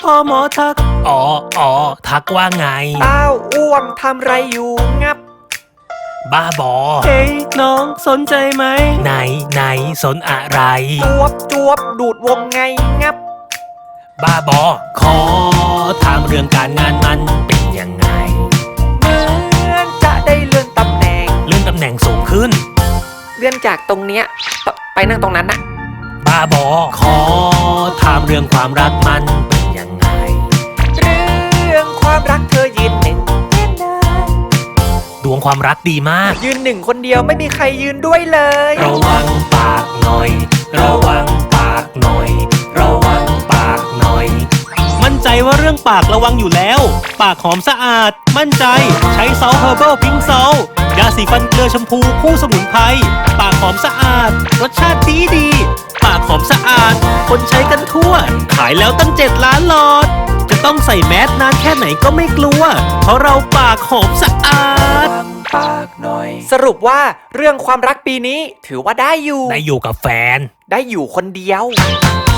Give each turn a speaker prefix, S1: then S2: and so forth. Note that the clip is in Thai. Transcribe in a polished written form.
S1: พอหมอทักอ๋อทักว่าไง
S2: เต้าอ้วงทำไรอยู่งับ
S1: บ้าบอเฮ้ยน้องสนใจไหมไหนสนอะไร
S2: จวบดูดวงไงงับ
S1: บ้าบอขอถามเรื่องการงานมันเป็นยังไง
S2: เหมือนจะได้เลื่อนตำแหน่ง
S1: สูงขึ้น
S2: เลื่อนจากตรงเนี้ยไปนั่งตรงนั้นนะ
S1: บ้าบอขอถามเรื่องความรักมันเป็นยังไง
S2: เรื่องความรักเธอยืนหนึ่ง
S1: ดวงความรักดีมาก
S2: ยืนหนึ่งคนเดียวไม่มีใครยืนด้วยเลย
S1: ระวังปากหน่อยระวังปากหน่อยระวังปากหน่อยมั่นใจว่าเรื่องปากระวังอยู่แล้วปากหอมสะอาดมั่นใจใช้ซอลเฮอร์เบิลพิงซอลยาสีฟันเกลือชมพูคู่สมุนไพรปากหอมสะอาดรสชาติดีปากหอมสะอาดคนใช้กันทั่วขายแล้วตั้ง7 ล้านหลอดจะต้องใส่แมสนานแค่ไหนก็ไม่กลัวเพราะเราปากหอมสะอาด
S2: ปากหน่อยสรุปว่าเรื่องความรักปีนี้ถือว่าได้อยู่
S1: กับแฟน
S2: ได้อยู่คนเดียว